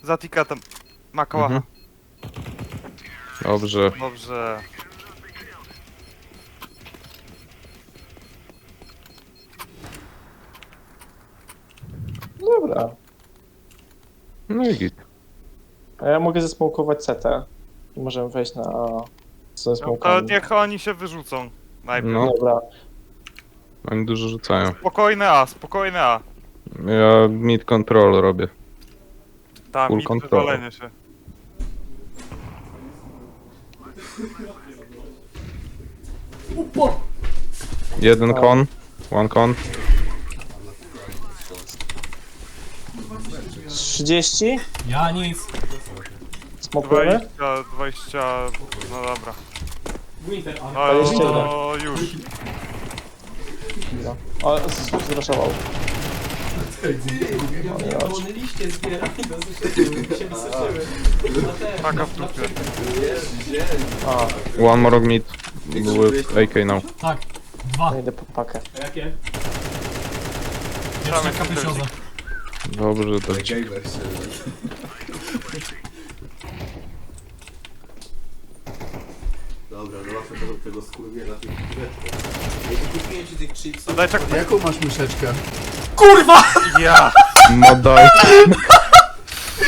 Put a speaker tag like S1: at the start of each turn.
S1: Za tiketem. Ma kałacha.
S2: Dobrze.
S1: Dobrze.
S3: Dobra.
S2: No i git.
S3: A ja mogę zesmokować CT. I możemy wejść na ze
S1: No to
S3: smokami.
S1: niech oni się wyrzucą. Najpierw.
S2: No.
S3: Dobra.
S2: Oni dużo rzucają.
S1: Spokojne A, spokojne A.
S2: Ja mid control robię.
S1: Tam
S2: Full
S1: mi
S2: control.
S1: wywalenie się.
S2: Jeden kon. One con.
S3: 30?
S4: Ja nic.
S3: Smokujemy?
S1: 20, no dobra.
S4: Winter,
S1: No,
S4: ale...
S3: 21.
S1: no już.
S3: No. O, zraszował.
S4: One liście zbiera i to się wysuszyły.
S1: Taka w dupie.
S3: A,
S2: One more mid. With AK now.
S4: Tak, 2.
S3: to idę po pakę.
S4: A jakie?
S1: Same
S4: Jeszcze kapricioza.
S2: Dobrze, to
S5: Dobra, zobaczmy tego skurwiela tych chwileczkę. Ja tu kupiłem ci tych chipsów.
S1: Daj czek.
S5: Jaką masz myszeczkę?
S4: Kurwa!
S1: Ja!
S2: Modaj.